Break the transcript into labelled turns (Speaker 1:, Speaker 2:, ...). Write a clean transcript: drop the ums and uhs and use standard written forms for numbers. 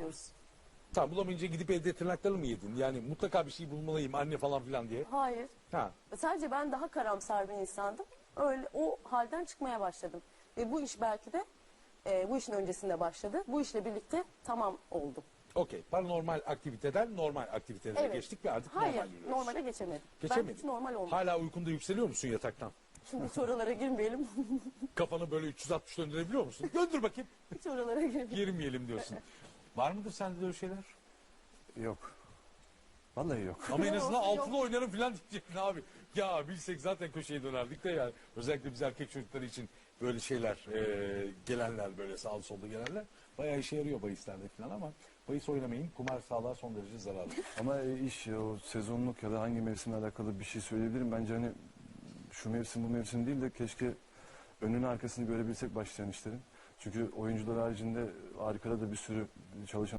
Speaker 1: diyoruz.
Speaker 2: Tamam, bulamayınca gidip evde tırnaklarını mı yedin? Yani mutlaka bir şey bulmalıyım anne falan filan diye.
Speaker 1: Hayır.
Speaker 2: Ha.
Speaker 1: Sadece ben daha karamsar bir insandım. Öyle o halden çıkmaya başladım. Ve bu iş belki de bu işin öncesinde başladı. Bu işle birlikte tamam oldum.
Speaker 2: Okey. Paranormal aktiviteden normal aktivitelere
Speaker 1: Evet.
Speaker 2: geçtik ve artık
Speaker 1: Hayır,
Speaker 2: normal yürüyoruz.
Speaker 1: normale geçemedim.
Speaker 2: Geçemedin.
Speaker 1: Ben hiç normal olmadım.
Speaker 2: Hala uykunda yükseliyor musun yataktan?
Speaker 1: Şimdi hiç oralara girmeyelim.
Speaker 2: Kafanı böyle 360 döndürebiliyor musun? Döndür bakayım.
Speaker 1: Hiç oralara girmeyelim.
Speaker 2: Girmeyelim diyorsun. Var mıdır sende de öyle şeyler?
Speaker 3: Yok. Vallahi yok.
Speaker 2: Ama en
Speaker 1: Ne
Speaker 2: azından
Speaker 1: olsa
Speaker 2: altılı oynarım falan diyecektin abi. Ya bilsek zaten köşeye dönerdik de yani. Özellikle biz erkek çocukları için böyle şeyler, gelenler böyle sağlı solda gelenler bayağı işe yarıyor bahislerde falan ama bahis oynamayın. Kumar sağlığa son derece zararlı.
Speaker 3: Ama iş o sezonluk ya da hangi mevsimle alakalı bir şey söyleyebilirim. Bence hani şu mevsim bu mevsim değil de keşke önünü arkasını görebilsek başlayan işlerin. Çünkü oyuncular haricinde arkada da bir sürü çalışan